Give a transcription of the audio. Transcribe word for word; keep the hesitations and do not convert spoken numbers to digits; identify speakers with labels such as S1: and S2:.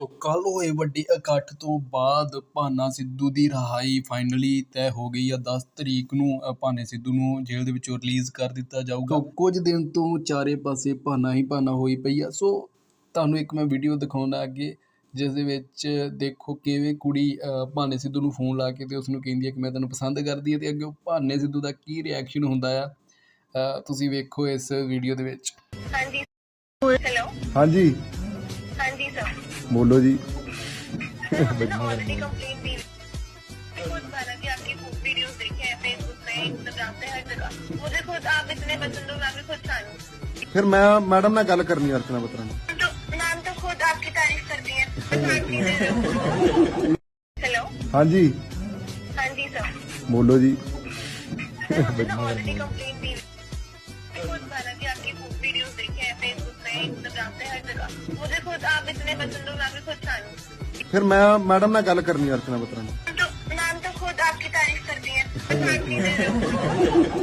S1: ਕੱਲ ਹੋਏ ਵੱਡੇ ਇਕੱਠ ਤੋਂ ਬਾਅਦ ਭਾਨਾ ਸਿੱਧੂ ਦੀ ਰਿਹਾਈ ਫਾਈਨਲੀ ਤੈਅ ਹੋ ਗਈ ਆ। ਦਸ ਤਰੀਕ ਨੂੰ ਅ, ਭਾਨੇ ਸਿੱਧੂ ਨੂੰ ਜੇਲ੍ਹ ਦੇ ਵਿੱਚੋਂ ਰਿਲੀਜ਼ ਕਰ ਦਿੱਤਾ ਜਾਊਗਾ। ਕੁਝ ਦਿਨ ਤੋਂ ਚਾਰੇ ਪਾਸੇ ਭਾਨਾ ਹੀ ਭਾਨਾ ਹੋਈ ਪਈ ਆ। ਸੋ ਤੁਹਾਨੂੰ ਇੱਕ ਮੈਂ ਵੀਡੀਓ ਦਿਖਾਉਣਾ ਅੱਗੇ, ਜਿਸ ਦੇ ਵਿੱਚ ਦੇਖੋ ਕਿਵੇਂ ਕੁੜੀ ਅ, ਭਾਨੇ ਸਿੱਧੂ ਨੂੰ ਫੋਨ ਲਾ ਕੇ ਤੇ ਉਸਨੂੰ ਕਹਿੰਦੀ ਹੈ ਕਿ ਮੈਂ ਤੈਨੂੰ ਪਸੰਦ ਕਰਦੀ ਹਾਂ, ਤੇ ਅੱਗੇ ਭਾਨੇ ਸਿੱਧੂ ਦਾ ਕੀ ਰਿਐਕਸ਼ਨ ਹੁੰਦਾ ਆ, ਅ, ਤੁਸੀਂ ਵੇਖੋ ਇਸ ਵੀਡੀਓ ਦੇ ਵਿੱਚ।
S2: ਹਾਂਜੀ हेलो
S3: हाँ जी
S2: हाँ जी सर
S3: बोलो जी।
S2: सर हमने ना ऑलरेडी कंप्लेंट दी है। खुद माना कि आपकी खूब वीडियोस देखे हैं फेसबुक पे, इंस्टाग्राम पे, हर जगह। मुझे खुद आप इतने पसंद हो, मैं भी खुद फैन हूँ।
S3: फिर मैं मैडम ना गल करनी अर्चना बत्रा ने।
S2: तो मैम तो खुद आपकी तारीफ करती है, पसंद नहीं दे रहे हो। हेलो
S3: हाँ जी
S2: हाँ जी सर
S3: बोलो जी।
S2: सर हमने ना ऑलरेडी कंप्लेंट दी है। खुद माना कि आपकी खूब वीडियोस देखे हैं फेसबुक पे, इंस्टाग्राम पे, हर जगह। मुझे खुद आप इतने पसंद हो, मैं भी खुद फैन हूँ।
S3: फिर मैं मैडम ना गल करनी अर्चना बत्रा ने।
S2: तो मैम तो खुद आपकी तारीफ करती है, पसंद नहीं दे रहे हो।